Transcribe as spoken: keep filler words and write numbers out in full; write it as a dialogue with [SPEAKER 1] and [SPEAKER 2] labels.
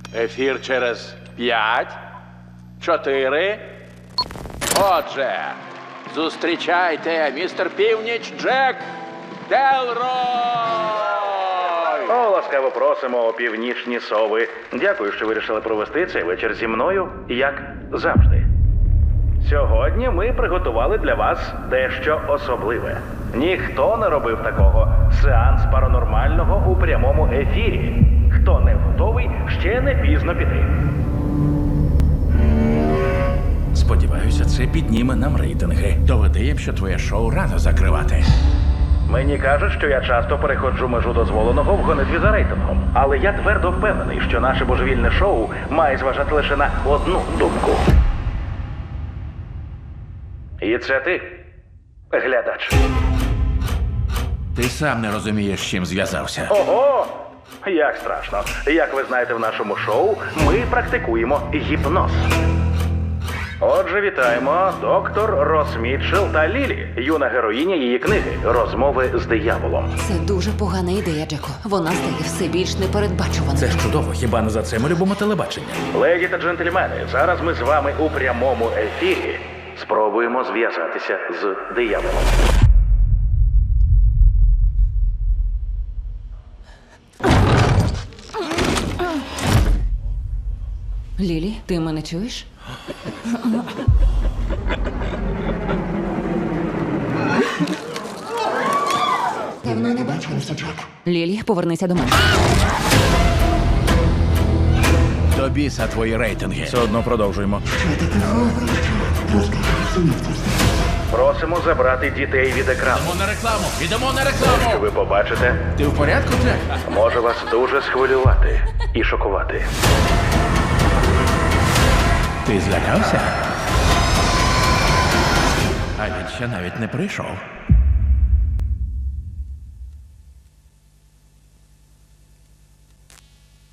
[SPEAKER 1] Ефір через п'ять, чотири. Отже, зустрічайте, містер Північ Джек Делрой!
[SPEAKER 2] О, ласкаво просимо, о північні сови. Дякую, що вирішили провести цей вечір зі мною, як завжди. Сьогодні ми приготували для вас дещо особливе. Ніхто не робив такого. Сеанс паранормального у прямому ефірі. Хто не готовий, ще не пізно піти.
[SPEAKER 3] Сподіваюся, це підніме нам рейтинги. Доведе їм, що твоє шоу рано закривати.
[SPEAKER 2] Мені кажуть, що я часто переходжу межу дозволеного в гонитві за рейтингом. Але я твердо впевнений, що наше божевільне шоу має зважати лише на одну думку. І це ти, глядач.
[SPEAKER 3] Ти сам не розумієш, з чим зв'язався.
[SPEAKER 2] Ого! Як страшно. Як ви знаєте, в нашому шоу ми практикуємо гіпноз. Отже, вітаємо доктор Рос Мітчелл та Лілі, юна героїня її книги «Розмови з дияволом».
[SPEAKER 4] Це дуже погана ідея, Джеко. Вона стає все більш непередбачуваною.
[SPEAKER 3] Це ж чудово, хіба не за це ми любимо телебачення?
[SPEAKER 2] Леді та джентльмени, зараз ми з вами у прямому ефірі спробуємо зв'язатися з дияволом.
[SPEAKER 4] Лілі, ти мене чуєш? Давно не бачилися, Джек. Лілі, повернися до мене.
[SPEAKER 3] До біса твої рейтинги. Все одно продовжуємо.
[SPEAKER 2] Просимо забрати дітей від екрану.
[SPEAKER 3] Йдемо на рекламу! Йдемо на рекламу!
[SPEAKER 2] Ви побачите,
[SPEAKER 3] Ти в порядку, Джек?
[SPEAKER 2] може вас дуже схвилювати і шокувати.
[SPEAKER 3] Ти злякався? А він ще навіть не прийшов.